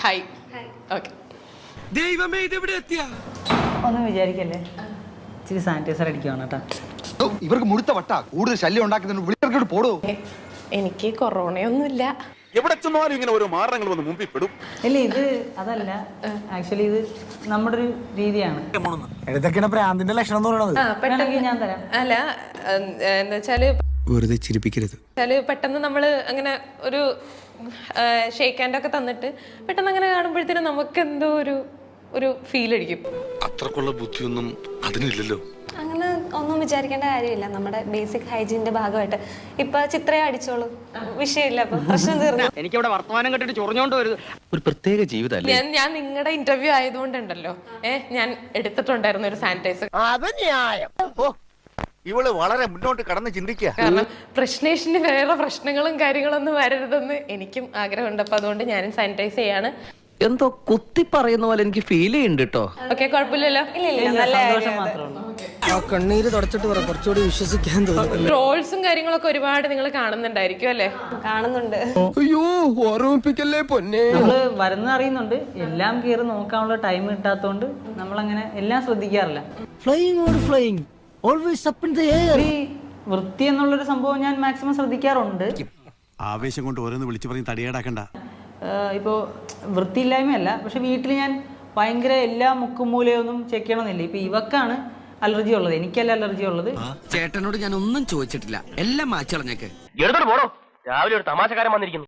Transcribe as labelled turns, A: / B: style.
A: Hi. Okay.
B: ദൈവമേ ഇതെവിടെ എത്തിയ
C: ഒന്നും വിചാരിക്കല്ലേ, ഇച്ചിരി സാനിറ്റൈസർ അടിക്കുവാണ് കേട്ടോ.
D: ഇവർക്ക് മുഴുത്ത വട്ട കൂടുതൽ ശല്യം ഉണ്ടാക്കുന്നുണ്ട്. വിളിക്കോട്ട് പോടോ.
A: എനിക്ക് കൊറോണയൊന്നുമില്ല.
E: എവിടെ ചെന്നാലും ഇങ്ങനെ ഓരോ മാരണങ്ങൾ വന്ന് മുമ്പിൽ പെടും.
C: ഇല്ല, ഇത് അതല്ല, ആക്ച്വലി ഇത് നമ്മുടെ ഒരു രീതിയാണ്.
B: ഇതൊക്കെയാണ് പ്രാന്തിന്റെ ലക്ഷണം എന്ന് പറയുന്നത്.
C: വേണമെങ്കിൽ ഞാൻ തരാം.
A: അല്ല, എന്താ വെച്ചാല്
B: വെറുതെ ചിരിപ്പിക്കരുത്.
A: പെട്ടെന്ന് നമ്മള് അങ്ങനെ ഒരു ഷേക്ക് ഹാൻഡ് ഒക്കെ തന്നിട്ട് പെട്ടെന്ന് അങ്ങനെ കാണുമ്പോഴത്തേനും നമുക്ക് എന്തോ ഒരു ഫീൽ അടിക്കും.
E: അത്രക്കുള്ള ബുദ്ധിയൊന്നും അതിനില്ലല്ലോ.
F: അങ്ങനെ ഒന്നും വിചാരിക്കേണ്ട കാര്യമില്ല. നമ്മുടെ ബേസിക് ഹൈജീനിന്റെ ഭാഗമായിട്ട് ഇപ്പൊ ചിത്രയെ അടിച്ചോളൂ, വിഷയമില്ല, അപ്പൊ പ്രശ്നം തീർന്നു.
G: എനിക്കിവിടെ വർത്തമാനം കേട്ടിട്ട് ചൊറിഞ്ഞോണ്ട് വരുത്. ഒരു പ്രത്യേക ജീവിതമല്ലേ.
A: ഞാൻ നിങ്ങളുടെ ഇന്റർവ്യൂ ആയതുകൊണ്ടുണ്ടല്ലോ, ഞാൻ എടുത്തിട്ടുണ്ടായിരുന്നു ഒരു സാനിറ്റൈസർ.
E: ഇവള് വളരെ മുന്നോട്ട് കടന്ന് ചിന്തിക്കുക.
A: കാരണം പ്രശ്നേഷിന് വേറെ പ്രശ്നങ്ങളും കാര്യങ്ങളൊന്നും വരരുതെന്ന് എനിക്കും ആഗ്രഹമുണ്ട്. അപ്പൊ അതുകൊണ്ട് ഞാനും സാനിറ്റൈസ് ചെയ്യാണ്.
G: എന്തോ കുത്തി പറയുന്ന പോലെ എനിക്ക് ഫീൽ ചെയ്യുന്നുണ്ട് കേട്ടോ.
A: ഓക്കെ, കുഴപ്പമില്ലല്ലോ.
C: സന്തോഷം മാത്രമേ ഉള്ളൂ.
B: കണ്ണീര് തുടച്ചിട്ട് പറ, കുറച്ചുകൂടി വിശ്വസിക്കാൻ തോന്നുന്നു.
A: ട്രോൾസും കാര്യങ്ങളൊക്കെ ഒരുപാട് നിങ്ങൾ കാണുന്നുണ്ടായിരിക്കും അല്ലേ?
F: കാണുന്നുണ്ട്.
B: അയ്യോ, ഓർമ്മിപ്പിക്കല്ലേ പൊന്നെ.
C: നമ്മള് വരുന്ന അറിയുന്നുണ്ട്, എല്ലാം കയറി നോക്കാനുള്ള ടൈം കിട്ടാത്തോണ്ട് നമ്മളങ്ങനെ എല്ലാം ശ്രദ്ധിക്കാറില്ല.
B: Flying always up in the air.
C: ഈ വൃത്തി എന്നുള്ളൊരു സംഭവം ഞാൻ മാക്സിമം ശ്രദ്ധിക്കാറുണ്ട്.
H: ആവേശം കൊണ്ട് ഓരോന്ന് വിളിച്ചു പറഞ്ഞ് തടിയേടാക്കണ്ട.
C: ഇപ്പോൾ വൃത്തിയില്ലായ്മയല്ല, പക്ഷെ വീട്ടിൽ ഞാൻ ഭയങ്കര എല്ലാ മുക്കും മൂലയൊന്നും ചെക്ക് ചെയ്യണമെന്നില്ല. ഇപ്പൊ ഇവക്കാണ് അലർജി ഉള്ളത്, എനിക്കല്ല അലർജി ഉള്ളത്.
G: ചേട്ടനോട് ഞാൻ ഒന്നും ചോദിച്ചിട്ടില്ല, എല്ലാം മാച്ചളഞ്ഞേക്ക്.
I: എടുത്തോട്ട് പോടോ, രാവിലെ ഒരു തമാശക്കാരൻ വന്നിരിക്കുന്നു.